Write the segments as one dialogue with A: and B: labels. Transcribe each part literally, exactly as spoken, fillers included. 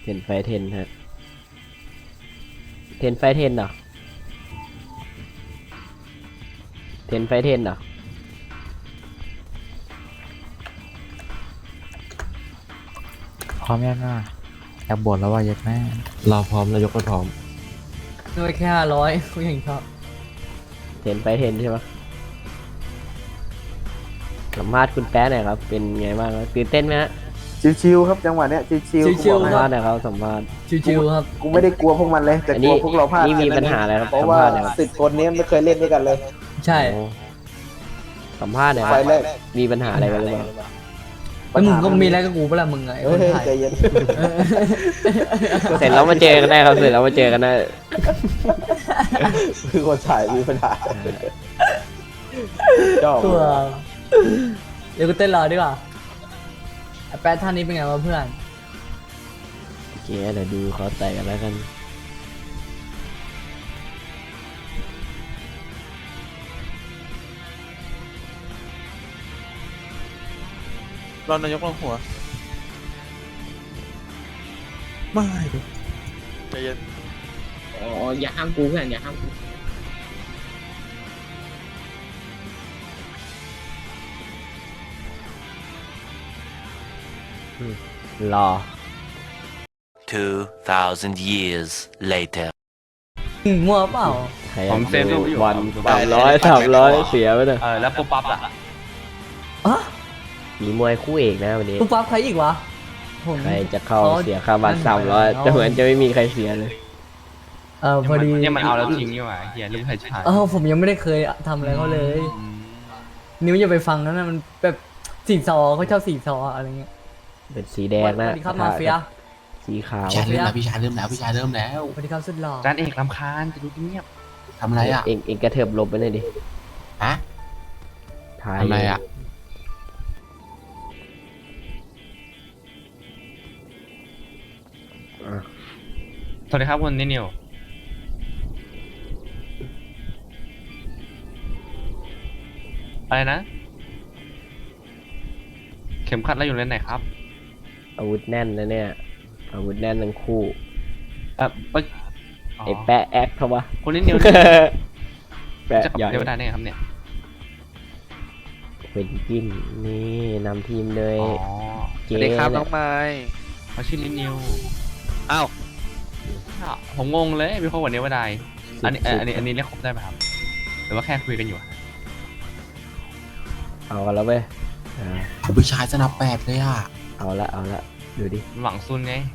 A: เทนไฟเทนฮะเทนไฟเทนเหรอเทนไฟเทนเหรอ
B: พร้อมยังอ่ะอยากบวชแล้วว่ายัดแม่
A: เราพร้อมนายกก็พร้อม
C: ด้วยแค่ห้าร้อยกูยังชอบ
A: เทนไฟเทนใช่ปะสัมภาษณ์คุณแป๊ะหน่อยครับเป็นไงบ้างครับตื่นเต้นไหมฮะ
D: ชิวๆครับจังหวะเนี้ยชิวๆ
C: ชิว
A: สัม
C: ๆค
A: ภา
C: รั
A: ษณ์หน่อยครับสัมภาษณ์
C: ชิวๆครับ
D: กูไม่ได้กลัวพวกมันเลยแต่
A: อัน
D: ก
A: นี้
D: ลัวพวกเราพลาด
A: นี่มีปัญหาอะไรครับ
D: เพราะว่า
A: สัมภาษณ์หน่อยครับ
D: สิบคนนี้ไม่เคยเล่นด้วยกันเลย
C: ใช่
A: โอ้สัมภาษณ์หน่อยค
D: ไฟ
A: รับ
D: แรก
A: มีปัญหาอะไรกันหรือเปล่า
C: แล้วมึงก็มีอะไรกับกูเปะล่ามึงไง
D: เฮ้
C: ค
D: ย
C: นไทย
D: ใจเย็น
A: เสร็จแล้วมาเจอกันได้ครับเสร็จแล้วมาเจอกันได้
D: คือคนถ่ายมีปัญหาชอบ
C: ตัวเดี๋ยวกูเต้นรอดีกว่าไอ้แป๊ดท่านนี้เป็นไงวะเพื่อน
A: โอเคเดี๋ยวดูเขาใส่กันแล้วกัน
E: รอนายกลงหัวไม่ดิใจเย็น
F: อ๋ออย่าห้ามกูเพื่อนอย่าห้ามกู
A: รอ
G: Two thousand years later.
C: มึงมั่วเปล่า
A: ใครอยากดูวันสามร้อยสามร้อยเสียไปเลย
B: เออแล้วปุ๊บปั๊บอ่ะ
C: อะ
A: มีมวยคู่เอกนะวันนี้
C: กูปั๊บใครอีกวะผม
A: ใครจะเข้า
C: อ๋อ
A: เสียค่าบัตร
C: นั่
A: สาม
C: น
A: ร้อย
C: เอา
A: แต่เหมือนจะไม่มีใครเสียเลย
C: เออพอดี
B: เนี่ยมันเอาแล้วทิ้งนี่หว่าเฮียลืมใครชาย
C: เออผมยังไม่ได้เคยทำอะไรเขาเลย นิ้วอย่าไปฟังนะนะมันแบบสีซอเขาชอบสีซออะไรเงี้ย
A: เป็นสีแดง
C: ส
A: นะ
C: วัสดีครับมาเฟีย
A: สีขาว
H: พี่ชายเริ่มแล้วพี่ชายเริ่มแล้วพี่ชายเริ่มแล้ว
C: สวัสดีครับสุดหล่อ
B: จานเอกลำคาญจะดูเงียบ
H: ทำอะไรอ่ะ
A: เองเองกระเถิบหลบไปหน่อยดิ
H: ฮะ
A: ถ่าย
H: ทำอะไรอ่ะ
A: อ่ะ
B: สวัสดีครับคุณนินิวอะไรนะ เข็มขัดเราอยู่เลนไหนครับ
A: อาวุธแน่นนะเนี่ยอาวุธแน่นทั้งคู่
B: เออเอ้ย
A: ไอ้แปะแอคเขาวะ
B: คุณนินิว
A: แปะ
B: จะขับ
A: ใหญ่
B: เทวดาได้ไงครับเนี่ย
A: เป็นกินนี่นำทีมเลย
B: อ๋อ
E: สวัสดีครับน้องไม้
B: เขาชื่อนินิว
E: อ้าว
B: อ้าวผมงงเลยมีคนวันนี้ว่าใดอันนี้เอ่ออันนี้อันนี้เรียกครบได้ไหมครับหรือว่าแค่คุยกันอยู่
A: เอากันแล้วเว้ยอ่า
H: พี่ชายสนับแปดเลยอ่ะ
A: เอาละเอาละดูดิ
B: หวังซุนไง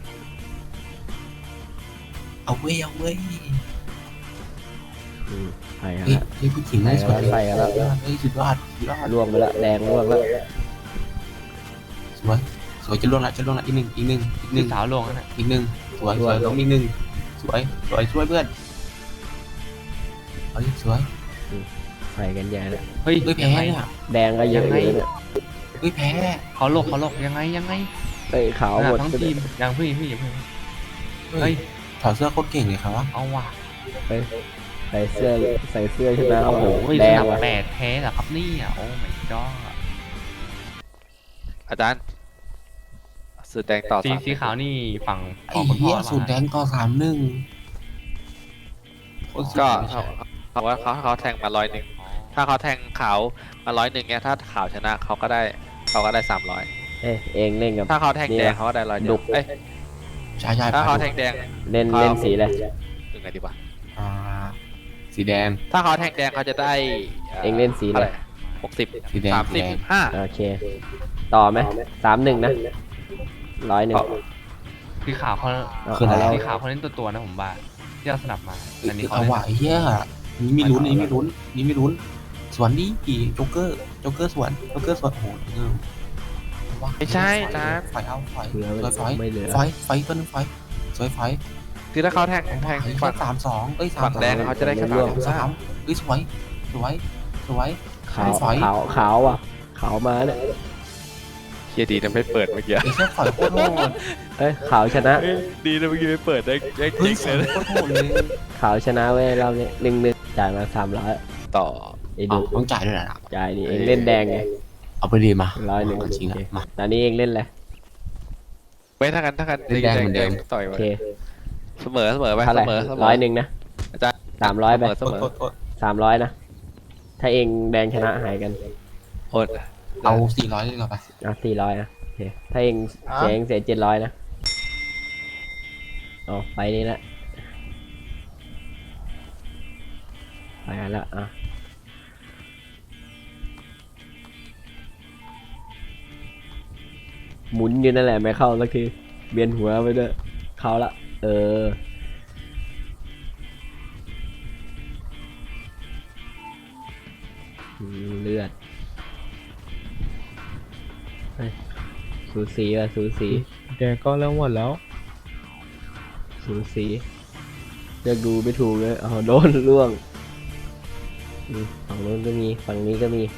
H: เอาเว้ยเอาเว้ย
A: อืมไปกัน
H: เฮ้ย
A: ละ
H: เฮ้ยผู้หญิงไม่สวยเลย
A: ไปกันแล้ว
H: เฮ้ยสุดยอดสุดยอด
A: ล่วงไปละแดงล่วงแล้ว
H: สวยสวยจะล่วงละจะล่วงละอีกหนึ่งอีกหนึ่งอีกห
B: หนึ่
H: นึ่
B: ง
H: ง
B: สาวลงนั่นแหละ
H: อีกหนึ่งสวยสวยน้องอีกหนึ่งสวยสวยช่วยเพื่อนเฮ้ยสวย
A: ไปกันใหญ่ละ
B: เฮ้ย
H: เฮ้ยแพ้
B: ยังไง
H: อ่ะ
A: แดงก็เยอะเลยเนี่ย
H: เฮ้ยแพ้
B: เขาหลบเขาหลบยังไงยังไง
A: เอ้ยขาวหมด
B: ทั้ง
A: ไปเล
B: ที
A: ย
B: มยังพี่พี่พี่
H: เฮ้
B: เฮ้
H: ย
B: ย
H: ถอดเสื้อโคตรเก่งเลยครับวะ
B: เอาว่ะ
A: ใส่เสื้อใส่เสื้อชนะ
B: โอ้
A: โอ้
B: โห
A: โห
B: เฮ้ย
A: แด
B: ส
A: ง
B: นับ
A: ว่ะ
B: แปดแพ้เหรอครับเนี่ยโอ้ my god
E: อาจารย์สุดแดงต่อ
B: สี
E: สาม
B: สีขาวนี่ฝั่ง
H: ไอ้
B: ของคุณพ่
H: เหี้
B: อย หรือเป
H: สูตรแด
B: ล่าง
H: ต่อสามหนึ่ง
E: ก็เขาเขาว่าเขาเขาแทงมาร้อยหนึ่งถ้าเขาแทงขาวมาร้อยหนึ่งเนี่ยถ้าขาวชนะเขาก็ได้เขาก็ได้สามร้อย
A: เอ้ยเองเล่นกับ
E: ถ้าเขาแทง
A: นี่
E: แดง
A: นะ
E: เขาก็ได้ร้อยเดี
A: ดุ
E: ยวเอ้ย
H: ใช่ใช่
E: ถ้าเขาแทงแดง
A: เล่นเล่นสีอะไร
E: ยังไงดีวะ
H: อ่าสีแดง
E: ถ้าเขาแทงแดงเขาจะได้
A: เองเล่นสีอะไร
E: หกสิบ
H: สีแดง
E: สาม
H: สี
E: สิบ
H: แดง
E: ห้า
A: โอเค ต่อไหมสามหนึ่งนะร้อยหนึ่ง
B: สีขาวเขา
A: เอา
H: คืออะไร
A: เอา
B: สีขาวเขาเล่นตัวตัวๆนะผมว่าที่เราสนับมาอันนี้เขา
H: เอา
B: เล่น
H: ว่ะไอ้เหี้ยนี่มีลุ้นนี่มีลุ้นนี่มีลุ้นสวนดีกี่โจ๊กเกอร์โจ๊กเกอร์สวนโจ๊กเกอร์สวนโอ้โหเออว้า
E: ไม่ใช่อาจารย์
H: ไฟเอาไฟ
A: เหลือ
H: สวยไฟ
A: ไม่เหลือ
H: ไฟไฟตัวนึงไฟสวยไฟ
E: คือถ้าเขาแทงแทง
H: ไอ้
E: ฝั่ง
H: สามสองเอ้ยสาม
E: ฝั่งแดงเขาจะได้แค่
A: ร่วง
E: สามสิบ
H: สามเอ้ยสวยสวยสวย
A: ขาว
H: ไฟ
A: ขาวขาวอ่ะขาวมาเนี่ย
E: เฮียดีนะไม่เปิดเมื่อกี้
H: ไอ้เชี่ยไฟโคตรโหด
A: เอ้ยขาวชนะ
E: ดีนะเมื่อกี้ไม่เปิดได้ได้
H: เฮ้
E: จ
H: ย
E: ริง
H: ไฟ
E: เลย
H: โคตรโหดเลย
A: ขาวชนะเว้ยเราเนี่ยหนึ่งหนึ่งจ่ายมาสามร้อย
E: ต่อ
A: ไอ้
H: อ๋
A: ดู
H: อต้องจ่ายด้วยนะ
A: จ่ายดิเองเล่นแดงไง
H: เอาไปดีมา
A: ร้อยหนึ่ง
H: จริง
A: โอ
H: อะ
A: เค
H: มา
A: ตอนนี้เองเล่นอะไร
E: ไม่ถ้ากันถ้ากัน
H: แดงเหมือนเดิม
E: ต่อย
A: โอ
E: ไป
A: เค
E: เสมอเสมอไป
A: เท่าไห
E: เส
A: ร่
E: มอเสมอ
A: ร้อยหนึ่งนะ
E: อาจารย์
A: สามร้อยไป
E: เสมอ
H: โทษโทษ
A: สามร้อยนะ ถ้าเองแดงชนะหายกัน
E: อด
H: เอาสี่ร้อยเลยเหรอไป
A: เอาสี่ร้อยนะโอเค ถ้าเองเสียเองเสียเจ็ดร้อยนะอ๋อไปนี่ละไปกันละอ่ะหมุนอยู่นั่นแหละไม่เข้าสักทีเบียนหัวไปด้วยเข้าละเอออืมเลือดเฮ้ยสูสีว่ะสูสี
I: แกก็เริ่มหมดแล้ว
A: สูสีเลือกดูไม่ถูกเลยเอาโดนล่วงอืมฝั่งโน้นก็มีฝั่งนี้ก็มี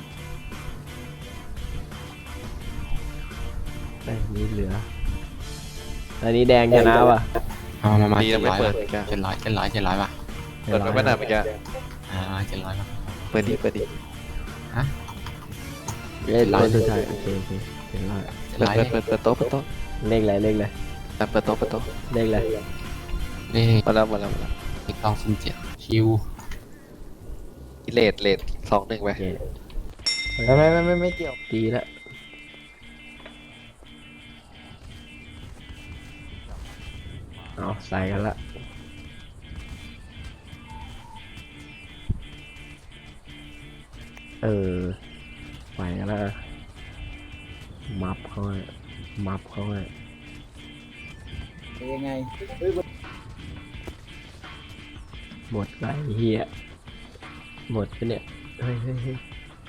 A: ไอ้นี่เหลืออันนี้แดงชนะว่ะ
H: เอามามา
E: ดี
H: เจ็
E: นะ
H: ด
E: ไม่
H: ร้อย
E: เปิด
H: เจ็ดร้อยเจ็ดร้อยเจ็ดร้อยป่ะ
E: เปิดไม่นานเมื่อกี้
H: อ่าเจ็ดร้อยป่ะ
E: เปิดดีเปิดดี
A: เล่น
H: ร้อย
A: เล่นสุดท้ายโอเคโอเคเห็นแล้ว
H: เจ็ด
E: เปิด
H: ร้อย
E: เปิดเปิดเปิดโต๊ะเปิดโต๊ะ
A: เลขอะไรเลขอะไร
E: อ่ะเปิดโต๊ะเปิดโต๊ะ
A: เลขอะไร
H: นี่
E: มาแล้วมาแล้วมาแล้ว
H: อีกสองศูนย์เจ็ดคิว
E: เลทเลทสองหนึ่งไป
A: โอเค
D: ไม่ไม่ไม่ไม่ไม่เกี่ยว
A: ดีละเอาใส่กันละเออไปกันละมับเขาให้มับเขาให้
D: ยังไง
A: หมดไรเฮียหมดไปเนี่ยเฮ้ยเฮ้ยเฮ้ย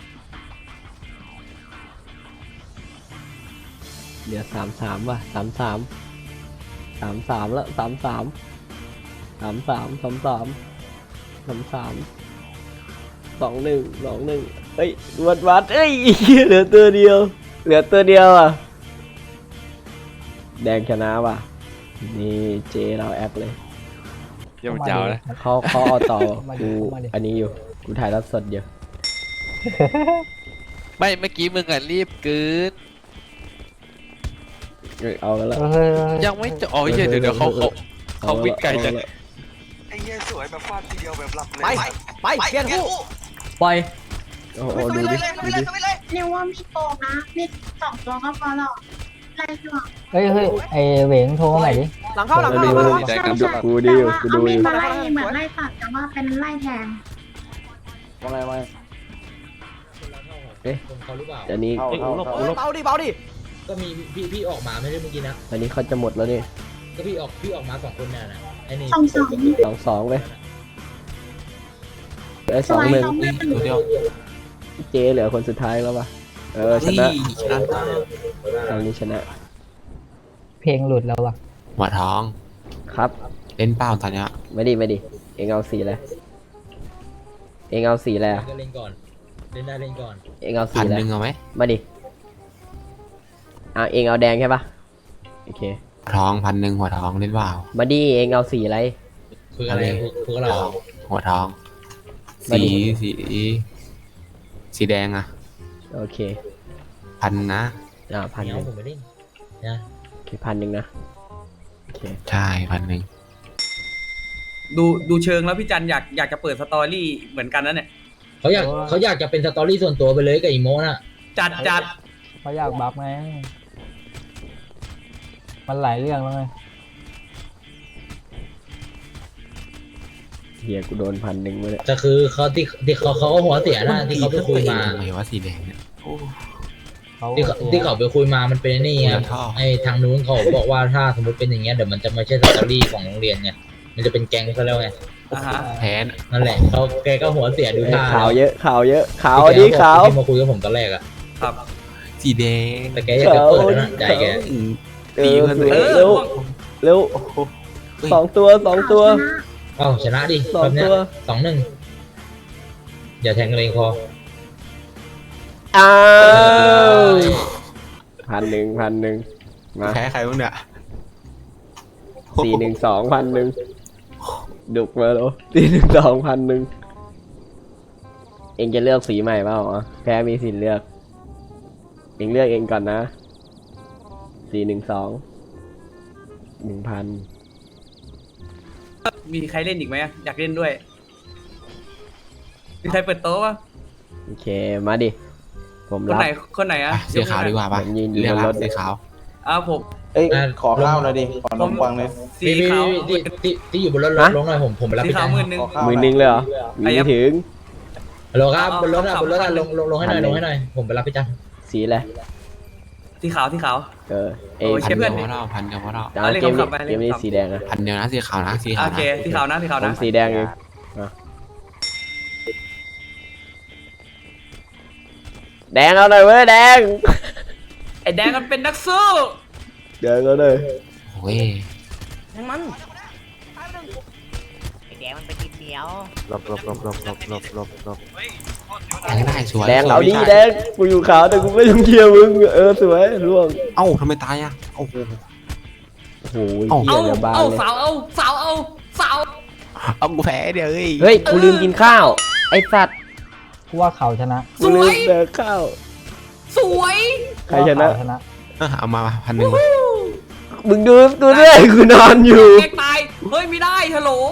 A: เหลือสามสามว่ะสามสามสามสามแล้วสามสามสามสามสามสามสามสามสองหนึ่งสองหนึ่งเฮ้ยวัดวัดเอ้ยเหลือตัวเดียวเหลือตัวเดียวอ่ะแดงชนะว่ะนี่เจเราแอปเลย
E: เยี่ยมยาวนะ
A: เขาเขาเอาต่อ
C: มาดิ
A: กู
C: มาดิ
A: อันนี้อยู่กูถ่ายรับสดอยู่
E: ไม่เมื่อกี้มึงอ่ะรีบเกิน
A: เอ้ยเอากันแล้ว
E: ยังไม่จะอ๋อเหี้ยเดี๋ยวเดี๋ยวเขาเขาเขาวิ่งไกลจัง
J: ไอ้เหี้ยสวยแบบฟาดทีเดียวแบบหลับเลย
D: ไปไปเปลี่ยนคู่
C: ปล่อย
A: โอ้โหดูดิดูดิ
K: เรียกว่ามีโกงนะมีสองตัวก็พอหรอกไล่ตัว
C: เฮ้ยเฮ้ยไอเหวงโทรมาใหม่ดิ
D: หลังเข้าหลัง
A: ดู
D: เข้าหลัง
A: ดิ
D: เข้า
A: ดูกูดิอยู่กู
K: เอา
A: ดูอ
K: มี
A: ยู่
K: มาไล่เหมือนไล่ตัดแต่ว่าเป็นไล่แทง
D: ว่าไงว่าไง
A: อันนี้
D: เข้าเข้าเข้า
J: เบาดิเบาดิ
F: ก็มีพี่พี่ออกมาไม่ได้เมื่อกี้นะ
A: อันนี้เขาจะหมดแล้วนี่
F: ก็พี่ออกพี่ออกมาสองคนน่ะนะไอ้นี่
K: สองสอง
A: สองสองไปไอ้
K: ส
A: สอง
K: วย
A: หนึ่ง
K: สองหนึ่ง
H: ตัวเดียว
A: เจเหลือคนสุดท้ายแล้วป่ะเออช
H: นี่
A: นะ
H: ชนะ
A: ตอนนี้ชนะ
C: เพลงหลุดแล้วว่ะ
H: หัวทอง
A: ครับ
H: เล่นเป้าตอนเนี้ย
A: ไม่ดีไม่ดีเองเอาสีอะไรเองเอาสีอะไรอ่ะ
F: ก็เล่นก่อนเล่นได้เล่นก่อน
A: เองเอาสี
H: พัน
A: อะไร
H: หนึ่งเอาไหม
A: มาดิอ่ะเองเอาแดงใช่ปะโอเค
H: หัวทองพันหนึ่งหัวทองเล่นเปล่า
A: มาดิเองเอาสีอะไร
F: คืออะไรพวกพวกเรา
H: หัวทอง
A: มา
H: สี
A: ดิ
H: สีสีแดงอะ
A: โอเค
H: พันนะ
A: อ่าพันห
F: เนี้ย
A: นึ่ง
F: ผมไม่เล่นนะ
A: โอเคพันหนึ่งนะโอเค
H: ใช่พันหนึ่ง
J: ดูดูเชิงแล้วพี่จันอยากอยากจะเปิดสตอรี่เหมือนกันนะเนี่ย
F: เขาอยากเขาอยากจะเป็นสตอรี่ส่วนตัวไปเลยกับอีโมน่ะ
J: จัดจัด
C: เขาอยากบัฟไงมันหลายเรื่องแล้วไง
A: เฮียกูโดนพันหนึ่งมาเลย
F: แต่คือเขาที่ที่เขาเขาก็หัวเสียนะที่เขาไปคุยมา
H: ทำไมว่าสีแดงเนี่ยโอ้
C: เขา
F: ที่เขาที่เขาไปคุยมามันเป็นนี่
H: คุย
F: ไง
H: กับท่อ
F: ไอ้ทางนู้นเขาบอกว่าถ้าสมมติเป็นอย่างเงี้ยเดี๋ยวมันจะไม่ใช่สตอรี่ของโรงเรียนไงมันจะเป็นแก๊งเขาแล้วไง
J: อ่าฮะ
H: แพ้
F: นั่นแหละเขาแกก็หัวเสียดู
A: เอ้ย
F: ท่า
A: ขาวเยอะขาวเยอะขาว
F: ที่
A: ดิ
F: แก
A: ขาว
F: ที่มาคุยกับผมตอนแรกอะ
J: ครับ
H: สีแดง
F: แต่แกอยากจะเปิดแล้วนะใจแก
H: อืม
A: เอ
H: ตี
A: อ
H: เพื่อนตัว
A: เร็
H: เอง
A: วเร็วเร็ว
H: เฮ้ย
A: สองตัวสองตัว
F: เอ้าชนะดิ
A: สอง
F: แบบเนี้ย
A: ตัว
F: สองหนึ่งอย่าแทงกันเลยพอ
A: อ้าวพันหนึ่งพันหนึ่งมา
H: แพ้ใครบ้างเนี่ย
A: สี่หนึ่งสองพันหนึ่งดุกมาแล้วสี่หนึ่งสองพันหนึ่งเองจะเลือกสีใหม่เปล่าอ๋อแพ้มีสิทธิ์เลือกเองเลือกเองก่อนนะสี่หนึ่งสองหนึ่งพัน
J: มีใครเล่นอีกไหมอะอยากเล่นด้วย มีใครเปิดโต๊ะปะ
A: โอเคมาดิผม
J: คน
A: รับ
J: ไหนคนไหนอะ
H: อ่ะสีขาวดีกว่า
A: ผ
H: ปะ
A: มยืนอยู่
H: เรีย
A: บ
H: ก
A: น
H: รั
A: ร
H: บ
A: ถ
H: สีขาว
J: อ้าวผม
D: เอ้ยขอข้าวหน่อยดิขอนมปังเลย
J: สี
F: พี่
J: ขาว
F: พี่ที่ที่ที่อยู่บนรถลงหน่อยผมผมไปรับ
J: สี
F: พี่
J: ขา
F: จั
J: วน หมื่นหนึ่ง
D: ขอข้าว
A: มือหนึงเลยเหรอมี
J: ไอ้ยั
A: ไม่
J: บ
A: ถึง
F: ฮัลโหลครับ
J: เอา
F: บนรถอะ
J: เอา
F: บนรถอะ
J: เอา
F: ลงลงลงให้หน่อย
A: พันหนึ่ง
F: ลงให้หน่อยผมไปรับพี่จัน
A: สีอะไร
J: สีขาวสีขาว
A: เออเอ
J: โอ้ย
H: พัน
J: เพื่
H: เดี
J: อย น
H: วพอเราพันเดียวพอเรา
A: เอา
J: เอาเลข
A: เกมนี้
J: คำๆไป
A: เกมนี้
J: เลขคำๆ
A: สีแดงนะ
H: พันเดียวนะสีขาวนะสีขาว
J: โอ
H: นะ
J: เคสีขาวนะสีขาว
A: ผ
J: นะ
A: มสีแดงเองอ่ะแดงเอาหน่อยเว้ยแดง
J: ไอ้แดงมันเป็นนักสู้
A: แดงเอาหน่อย
H: โอ้ย
C: ทั้งมัน
I: แดงมันเป็นทีเดียว
D: หลบหลบหลบหลบหลบหลบหลบหลบ
H: แทงได้สวย
A: แดง
H: สวย
A: เอาดิ
H: พี่ชย
A: แดงกูอยู่ขาวแต่กูไม่ต้องเชียร์มึงเออสวยร่วง
H: เอ้าทำไมตายอ่ะโอ้โห
A: โอ้โห
H: เอ้า
A: เหี้
J: เอา
A: ยเรือบาน
J: เอา
A: เลย
J: สาวเอาสาวเอาสาว
H: เอากูแพ้เดี๋ยวเฮ้ย
A: เฮ้ยกูลืมกินข้าวไอ้สัตว์
C: กูว่าเขาชนะ
J: ส
A: กูลื
J: ว
A: ม
J: ย
A: แดกข้าว
J: สวย
A: ใครชนะ
C: ชนะ
H: เออเอามาพันหนึ่ง
A: มึงดูกูด้วยกูนอนอยู่
J: แกตายเฮ้ยไม่ได้ฮัลโหล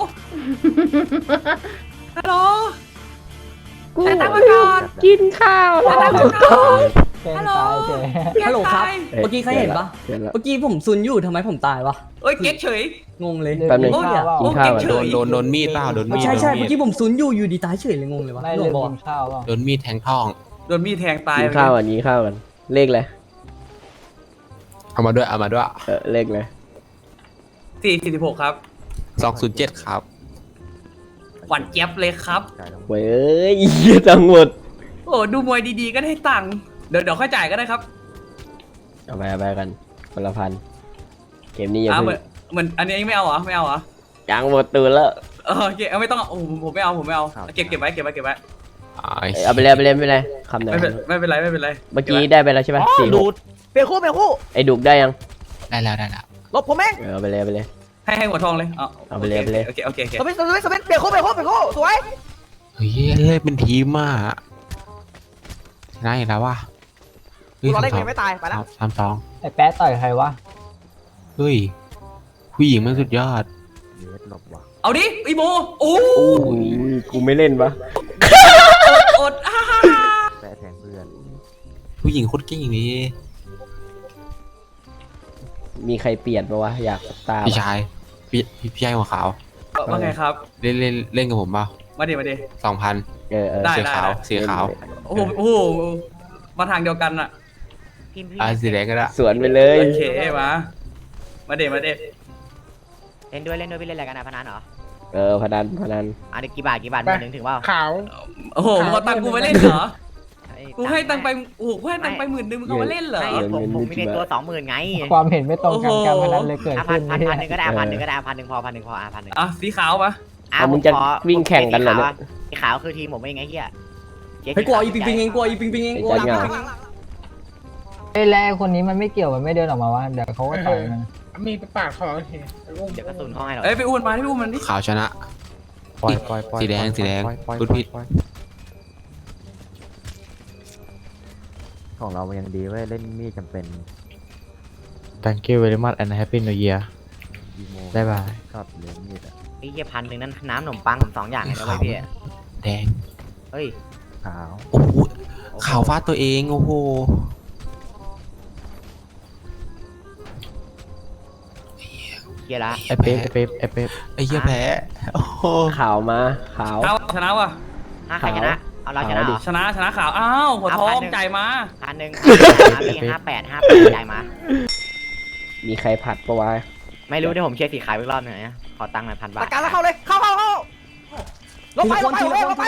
J: ฮัลโหลแต่ตั้งมาก่อน
A: กินข้าว
J: แต่ตั้งมาก่อนฮัลโหล
C: ฮัลโหลครับ
J: แกตาย
C: เมื่อกี้ใครเห็นปะ
A: เห็นแล้ว
C: เมื่อกี้ผมซุนอยู่ทำไมผมตายวะ
J: เอ้ยเก๊กเฉย
C: งงเลย
A: แป๊บนึง
J: โอ้ย
A: กินข้าวก่อน
J: เฉ
H: โด
J: ย
H: นโดนโดนมีดเปล่าโดนมีด
C: ใช่ใช่
H: โดน
C: เมื่อกี้ผมซุนอยู่อยู่ดีตายเฉยเลยงงเลยวะ
D: ไม่
C: หล
D: เล่
C: วน งบอก
D: กินข้าวเปล่า
H: โดนมีดแทงท้อง
J: โดนมีดแทงตาย
A: กินข้าวก่อนกินข้าวก่อนเลขเลย
H: เอามาด้วยเอามาด้วย
A: เออเลขเลย
J: สี่สี่สิบหกครับ
H: สองศูนย์เจ็ดครับ
J: หวานเจี๊ยบเลยครับ
A: เว้ยเหี้ยจังหมด
J: โอ้ดูมวยดีๆก็ได้ตังค์เดี๋ยวเดี๋ยวค่อยจ่ายก็ได้ครับ
A: เอาไปเอาไปกันคนละพันเกมนี้อย่า
J: อ่าเห
A: เพิ่
J: มือง นเหมือนอันนี้ไม่เอาเหรอไม่เอาเหรอ
A: ยังหมดตูนแล้ว
J: เออโอเคเอาไม่ต้องเอาโอ้ผมผมไม่เอาผมไม่เอาเก็บเก็บไว้เก็บไว้เก็บไว้
A: เอาไปเลยเอาไปเลยไม่เป็นไรคำไหน
J: ไม่เป็นไม่เป็นไรไม่เป็นไร
A: เมื่อกี้ได้ไปแล้วใช่ไหมสี่
D: ดูดเปลี่ยนคู่เปลี่ยนคู่
A: ไอ้ดุกได้ยัง
H: ได้แล้วได้แล้ว
D: หลบผมเอง
A: เออเอาไปเลยเอาไปเลย
J: ให้ให้หัวทองเลยเอา
A: เอาไปเลยเอาไปเลย
J: โอเคโอเคโอเค
D: สมิธสมิธสมิธเปลี่ยนคู่เปลี่ยนคู่เปลี่ยนคู่สวย
H: เฮ้ยเล่นเป็นทีมอ่ะชนะอีกแล้วว่ะเฮ้ย
D: เรา
H: สาม
D: เล่น
H: สอ
D: เก
H: ง
D: มไม่ตายไปแล้ว
H: สามสอง
C: ไอ้แป๊ะต่อยใครวะ
H: เฮ้ยผู้หญิงมันสุดยอด
J: เอาดิอีโมโอ้
A: โอ้ยกูไม่เล่นปะ
J: อดอ่า
H: ผู้หญิงโคตรเก่งเลย
A: มีใครเปลี่ยนปะวะอยากตาม
H: พี่ชายพี่พี่พี่ชายหัวขาว
J: ว่าไงครับ
H: เล่นเล่นเล่นกับผมเปล่า
J: มาดิมาดิ
H: สองพัน
A: เออเออ
J: ได้
H: สีขาวสีขาว
J: โอ้โหโอ้โหมาทางเดียวกันอะ
I: พิมพ์พี่
H: อ่าสีแดงก็ได้
A: สวนไปเลย
J: โอเคมามาเดมาเด
I: เล่นด้วยเล่นด้วยพี่เล่นอะไรกันนะพนันเหรอ
A: เออพนันพนัน
I: อ่ะเดี๋ยวกี่บาทกี่บาทหมื่นหนึ่งถึงเปล่า
D: ขาว
J: โอ้โหมึงเอาตังค์กูมาเล่นเหรอ
I: ไอ้
J: กูให้ตังค์ไปโอ้โหกูให้ตังค์ไปหมื่นหนึ่งมึงเอามาเล่นเหรอ
I: ไม่ผมผมมีในตัวสองหมื่นไง
C: ความเห็นไม่ตรงกันการพนันเลยเกิด
I: อ่ะพั
C: ขึ้
I: น
C: น
I: พันพันหนึ่งก็ได้อ่ะพันหนึ่งก็ได้อ่ะพันหนึ่งพอพันหนึ่งพออ่ะพันหนึ่ง
J: อ่ะสีขาวปะ
I: อ่ะ
A: เอามึง
I: ผ
A: จะ
I: ขอ
A: วิ่งแข่งกันเหรอเนี่ย
I: สีขาวคือทีมผมเองไงเฮียเจ๊
C: เฮ้ยกลัวอีปิงปิงเองกลัวอีปิงปิงเอง
A: ไอ้
C: กลัว
A: จัดเหงา
C: ไอ้แร่คนนี้มันไม่เกี่ยวมันไม่เดินออกมาวะเดี๋ยวเขาก็ต่อยมัน
D: มีปากขอเห็น
I: เดี๋ยวกระสุนเข้าให้เรา
J: เอ้ยไปอ้วนมาที่อ้วนมันดิ
H: ขาวชนะสีแดงสีแดงพูดผิด
D: ของเรายังดีเว้ยเล่นมีดจำเป็น
F: Thank you very much and happy new year บ๊ายบาย
D: กับเลี้ยงมีดอ่ะ
I: ไอ้เฮียพันหนึ่งนั้นน้ำขนมปังผมสองอย่างเลยนะเว้ยพี่
H: แดง
I: เฮ้ย
D: ขาว
H: โอ้โหขาวฟาดตัวเองโอ้โห
I: เฮียละ
H: ไอเป๊ปไอเป๊ปไอเป๊ปไอเหี้ยแพ้โอ้โห
A: ขาวมาขาว
J: ขาวชนะว่ะ
I: ห้าใครชนะเอาเราชนะเหรอ
J: ชนะชนะขาวอ้าวหัวทองจ่ายมา
I: พันหนึ่งพันหนึ่งห้าแปดห้าแปดจ่ายมา
A: มีใครผัดปะวะ
I: ไม่รู้เดี๋ยวผมเชียร์สีขาวอีกรอบหนึ่งนะขอตังค์หน่อยพันบาท
D: ประกันแล้วเข้าเลยเข้าเข้าเข้าลงไปลงไปลงไปลงไป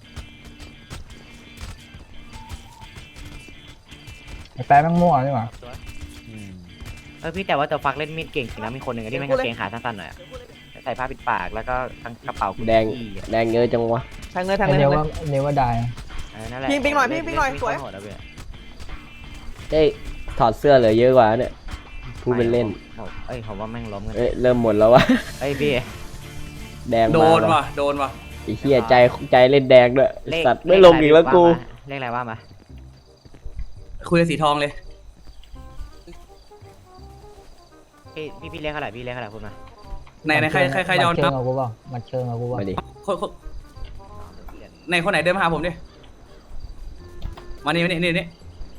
C: ไอ้แป๊ะแม่งมั่วนี่หว่า
I: เออพี่แต่ว่าตัวฟักเล่นมีดเก่งจริงนะมีคนหนึ่งที่ไม่กางเกงขาสั้นๆหน่อยอะใส่ผ้าปิดปากแล้วก็ทั้งกระเป๋ากุญ
A: แดง
I: จี้อะ
A: แดงเยอะจังวะ
D: แทงเลยแทง
C: ไอ้
D: เลย
C: เน
D: แทงเล
C: ว่าย เนว่าได้
I: เออนั่นแหละ
D: พิงพิงหน่อยพิงพิงหน่อยสวย
I: โหดอะพี่
A: ได้ถอดเสื้อเหลือเยอะกว่าเนี่ยพูดเป็นเล่น
I: ผมเอ้ยผมว่าแม่งล้มกัน
A: เอ้ยเริ่มหมดแล้ววะ
I: เอ้ยพี่
A: แดง
J: โด
A: มาน
J: ว่ะโดนว่ะ
A: ไอ้เหี้ยใจใจเล่นแดงด้วย
I: เลข
A: สัตว์ไม่ลงอีกแล้วกู
I: เลขอะไรว่ามา
J: คุยกับสีทองเลย
I: พี่พี่พี่เรียกเท่าไหร่พี่เรียกเท่าไหร่พูดมา
J: ไหนไหนใครใครใครจะเอา
C: เชิ
J: นั
C: ง
J: บ
C: เอากูเปล่ามาเชิงเอากูเปล่า
A: มาดิ
J: คนคนไหนคนไหนเดินมาหาผมดิมานี่มานี่นี่นี่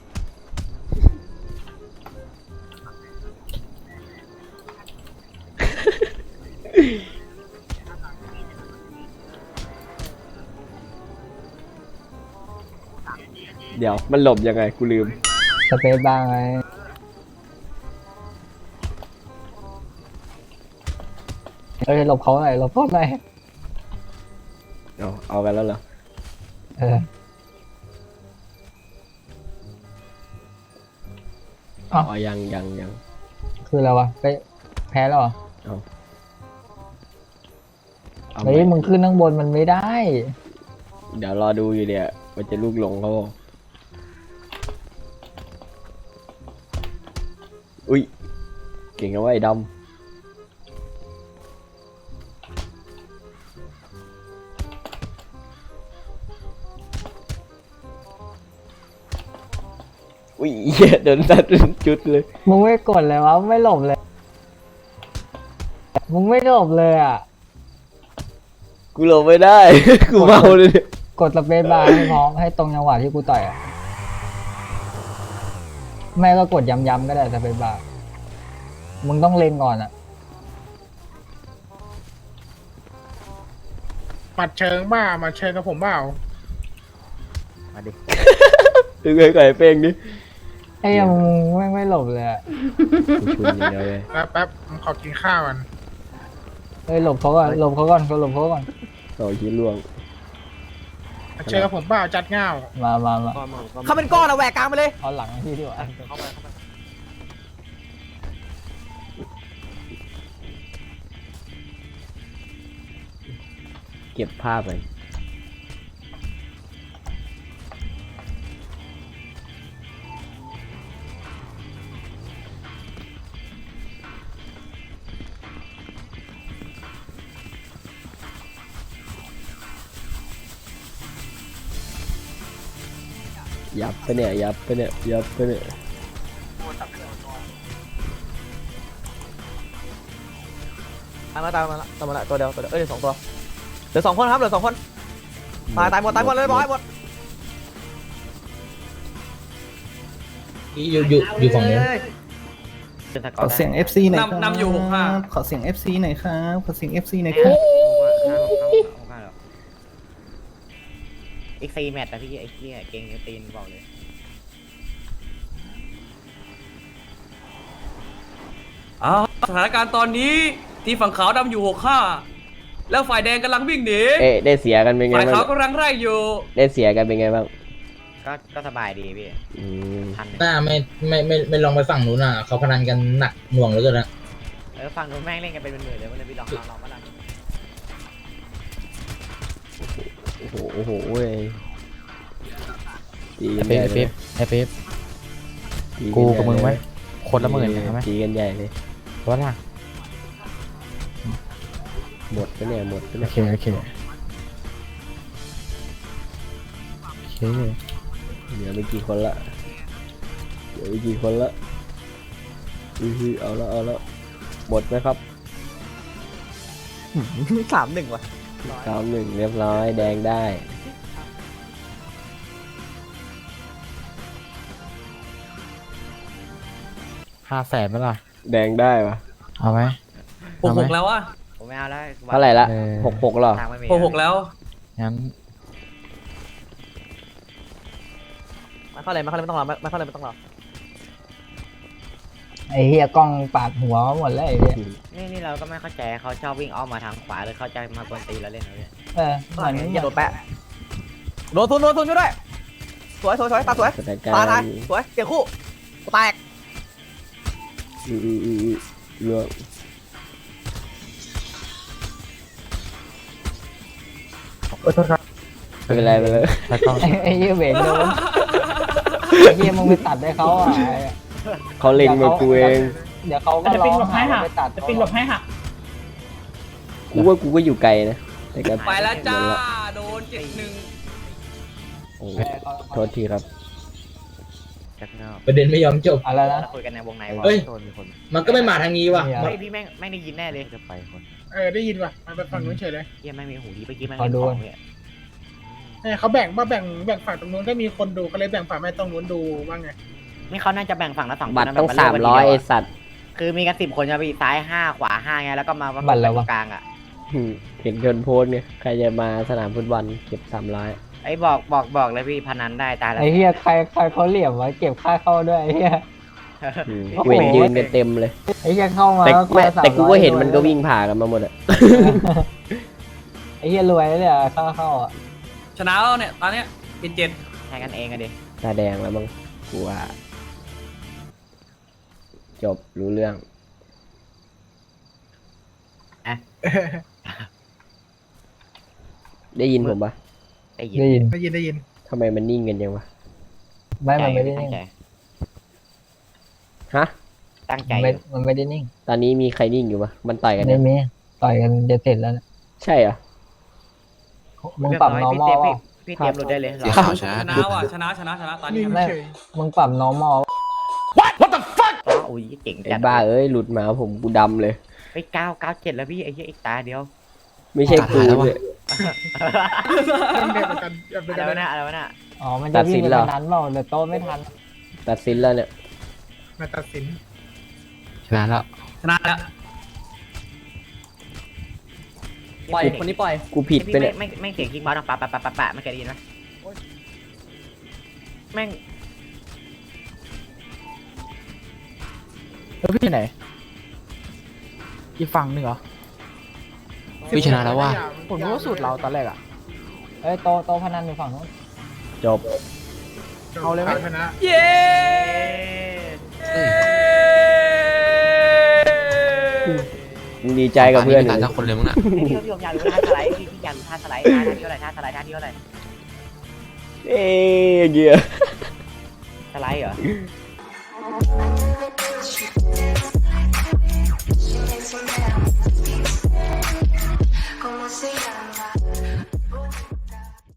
A: เดี๋ยวมันหลบยังไงกูลืม
C: สเปซบ้างไงเอ้ยหลบเขาหน่อยหลบเขาหน่อย
A: เอาเอากันแล้วเหรอ
C: เออ
A: อ๋อยังยังยัง
C: คืออะไรวะไปแพ้แล้วเหรอ
A: เอาเอา
C: เฮ้ยมึงขึ้นข้างบนมันไม่ได้
A: เดี๋ยวรอดูอยู่เดี๋ยวมันจะลูกหลงเขาอุ้ยเก่งนะว่าไอ้ดำอุ้ยเหี้ยโดนตัดเป็นจุดเลย
C: มึงไม่กดเลยวะไม่หลบเลย มึงไม่หลบเลยอ่ะ
A: กูหลบไม่ได้ กูเมาเลยเนี่ย
C: กดสเปซบาร์ให้พร้อมให้ตรงจังหวะที่กูต่อยอ่ะไม่ก็กดย้ำๆก็ได้สเปซบาร์มึงต้องเล็งก่อนอ่ะ
D: ปัดเชิงบ้ามาเชิงกับผมเปล่า
I: มาดิ
A: ดึงไอ้ไก่เป้งดิ
C: ไอ้ยังมึงไม่งไม่หลบเลยอ่ะ
A: กูชุนอย่างเดียวเลย
D: แป๊บแป๊บผมขอกินข้าวกัน
C: เฮ้ยหลบเขาก่อนหลบเขาก่อนก็หลบเขาก่อน
A: ต่อคิดล่วง
D: มาเชิงกับผมเปล่าจัดเงา
C: มามามา
D: เขาเป็นก้อนอะแหวกกลางไปเลย
C: เอาหลังพี่ดีกว่า
A: เก็บภาพไปยับไปเนี่ยยับไปเนี่ยยับไปเนี่ย
D: ตายมาตายมาละตายมาละตัวเดียวตัวเดียวเอ้ยสองตัวเหลือสองคนครับเหลือสองคนตายตายหมดตายหมดเลยบอยหมด
F: ที่อยู่อยู่อยู่ฝั่งนี้
I: เป็นสก
H: ข
I: อ
H: อ
I: ร์
H: เสียง เอฟ ซี หน่อยครับ
J: นำนำอยู่หกห้า
H: ขอเสียง เอฟ ซี หน่อยครับขอเสียง เอฟ ซี หน่อยครับ
I: อีกสี่แมตช์นะพี่ไอ้เหี้ยเก่งตีนบอกเลย
J: อ้าวสถานการณ์ตอนนี้ที่ฝั่งขาวดำอยู่หกห้าแล้วฝ่ายแดงกำลังวิ่งหนี
A: เอ๊ะได้เสียกันเป็นไง
J: ฝ่าย
A: บ้าง
J: ขาวกำลังไล่อยู่
A: ได้เสียกันเป็นไงบ้าง
I: ก็ก็สบายดีพี่
A: อืม
I: ทันเลย
F: หน้าไม่ไม่ไม่ไม่ลองไปฝั่งนู้นอ่ะเขาพนันกันหนักหน่วงเหลือเกินนะ
I: เออฟังดูแม่งเล่นกันเป็นหมื่นๆเลยวันนี้พี่ลองลองลองมาลอง
A: โอ้โหโอ้โหเว้ยตี
C: ไอ้
A: กัน
C: เป๊
A: ให
C: ป
A: ญ่
C: ไอ้
A: เลย
C: เป๊ปไอ้เป๊ป
A: ตีน
C: กู
A: ใหญ่
C: กับมึงไหม
A: เลย
C: คนละหมื่นใช่ไหม
A: ตีกันใหญ่เลย
C: ว่าล่ะ
A: หมดไปเนี่ยหมดไป
C: โอ
A: เนี่ย
C: เคโอเคโอเค
A: เหลือไม่กี่คนละเหลือไม่กี่คนละอือหือเอาละเอาละหมดไหมครับ
D: สามหนึ่งว่ะ
A: สามหนึ่งเรียบร้อยแดงได้
C: ห้าแสนไหมล่ะ
A: แดงได้ปะ
C: เอาไหม
J: หกหกแล้วอะ
I: ผมไม่เอาแล้ว
A: เท่าไหร่ละ
C: เออ
A: หกหกเหรอ
I: ทางไม่มี
J: หกหกแล้ว
C: งั้น
D: มาเข้าเลยมาเข้าเลยไม่ต้องรอมาเข้าเลยไม่ต้องรอ
C: ไอ้เฮียกล้องปาดหัวหมดแล้วไอ้เฮีย
I: นี่นี่เราก็ไม่เข้าใจเขาชอบวิ่งอ้อมมาทางขวาหรือเขาจะมากวนตีเราเล่นเหรอเนี่ย
C: เออเหมือน
D: อย่าโดนแปะโดนทุนโดนทุนช่วยด้วยสวยสวยสวยตาสวย
A: สถานการ
D: ตาตาย
A: ณ์
D: สวยเกี่ยวคู่กูแตก
A: อืออืออืออือเรื่อง ไม่เป็นไรไปเลย
C: แล้วก็ไอ้เฮียเบนโดนไอ้เฮียมึงไปตัดให้เขาอ่ะ
A: เขาเล็งมากูเอง
C: เดี๋ยวเขาก็ร้องหาไปตัดจะปินหลบให้หัก
A: กูว่ากูก็อยู่ไกลนะแต่ก็
J: ไปแล้วจ้าโดนเจ็ดหนึ่ง
A: โอ้โทษทีครับ
I: จักเงา
F: ประเด็นไม่ยอมจบ
C: อะไรนะ
I: คุยกันในวงในวะ
F: เฮ้ย มันก็ไม่มาทางนี้ว่ะ
C: เนี่ย
I: เฮ้ยพี่แม่งแม่งได้ยินแน่เลยจะไปคน
K: เออได้ยินว่ะมันไปฝั่งนู้นเฉยเลย
I: เฮียแม่งมีหูดีเมื่อกี้แม่ง
C: ขอ
I: เห็น
C: ดู
I: ของเนี่ย
K: เออเขาแบ่งมาแบ่งแบ่งฝั่งตรงนู้นก็มีคนดูเขาเลยแบ่งฝั่งแม่ตรงนู้นดูว่าไง
I: นี่เขาน่าจะแบ่งฝั่งละสองคน
A: บัตร
I: นะ
A: ต้อง
I: แบบ
A: สาม
I: เลืกกัน
A: ร้อย
I: ที
A: ไอ
I: เดีวะ
A: สัตว์
I: คือมีกันสิบคนจะไปซ้ายห้าขวาห้าไงแล้วก็มาประก
C: บั
I: บ
C: ตรแล้ว
I: ตร
C: วะ
I: งกลางอ่ะ
A: อืมเห็นเกินโพสต์ไงใครจะมาสนามฟุตบอลเก็บสามร้อย
I: ไอ้บอกบอกบอกเลยพี่พนันได้ตายแล้ว
C: ไอ้เหี้ยใครใครเขาเหลี่ยมวะเก็บค่าเข้าด้วยไอ้เหี้ย โอ้โห
A: เวทยืนกันเต็มเลย
C: ไอ้เหี้ยเข้ามา
A: แต่
C: แล้ว
A: แม่
C: คนละ
A: แต่กูก็เห็นมันก็
C: สามร้อย
A: วิ่งผ่ากันมาหมดอะ
C: ไอ้เหี้ยรวยแล้วเนี่ยค่าเข้าอ่ะ
J: ชนะแล้วเนี่ยตอนเนี้ยเป็นเจ็ด
I: แทงกันเองอะดิ
A: ตาแดงแล้วมั้งกูว่าจบรู้เรื่อง ได้ยินผมปะ
I: ได้ยิน
C: ได้ยิน
K: ได้ยินได้ยิน
A: ทำไมมันนิ่งกันยังวะ
C: ไม่มันไม่ได้
I: ตั้
C: นิ่
I: ง
C: ง
I: ใจ
A: ฮะ
I: ตั้งใจ
C: มัน
I: อ
C: ไม่
I: ยู่
C: มันไม่ได้นิ่ง
A: ตอนนี้มีใครนิ่งอยู่ปะมันต่อยกัน
C: ไม่
A: เนี่ย
C: มีต่อยกันจะเสร็จแล้วเนี่ย
A: ใช่เหรอ
C: มึงปรับ
I: เรียบร้อย
C: normal
I: พี่
C: เป ล่า
I: เตรียมพี่พี่เตรียมหลุดได้เลย
H: เสียข่าวชนะ
J: ชนะว่ะชนะชนะชนะตอนนี้
K: นิ่ง
C: ไม่
K: เฉย
C: มึงปรับ normal
I: อ๋ออุ้ยเก่ง
A: ไอ้
I: จัด
A: บ้าเอ้ยหลุดมาผมกูดำเลย
I: ไปเก้าเก้าเจ็ดแล้วพี่ไอ้เหี้ยอีกตาเดียว
A: ไม่ใช่กูเลย
K: เรื่องเดียวกันแบบเดียว
I: อะไร
K: กัน
I: วะน่ะอะไรวะน่ะ
C: อ๋อ มัน
A: ตั
C: จะ
A: ดสิ
C: วิ่ง
A: น
C: ไป
A: เหรอ
C: นั้นเปล่าเดี๋ยวโต้ไม่ทัน
A: ตัดสินแล้วเนี่ย
K: มาตัดสิน
H: ชนะแล้ว
J: ชนะแล้ว
C: ปล่อยคนนี้ปล่อย
A: กูผิดไป
I: พี่
A: เนี่ย
I: ไม่ไม่ไม่เสียงคิกบอลหรอกปะปะปะปะปะไม่เคยได้ยินไหมแม่ง
D: แล้วพี่ไหนอีกฝั่งหนึ่งเหรอ
H: พี่ชนะแล้วว่ะ
D: ผมรู้ว่าสูตรเราตอนแรกอ่ะ
C: เอ้ยโตโตพนันอยู่ฝั่งนู้น
A: จบ
D: เอาเลยไหม
K: ชนะ
J: เย้
A: มึงดีใจกับเพื่อน
H: ตา
A: เลย
H: ยทั้งคนเลยมั้งน่ะ
I: พี่พี่พี่ผมอยากรู้ท่าสไลด์พี่พี่อยากรู้ท่าสไลด์ท่าท่าที่เท่าไหร่ท่าสไลด์ท่าที่เท่าไหร่
A: เอ้ยเกียร์
I: สไลด์เหรอ
K: Como se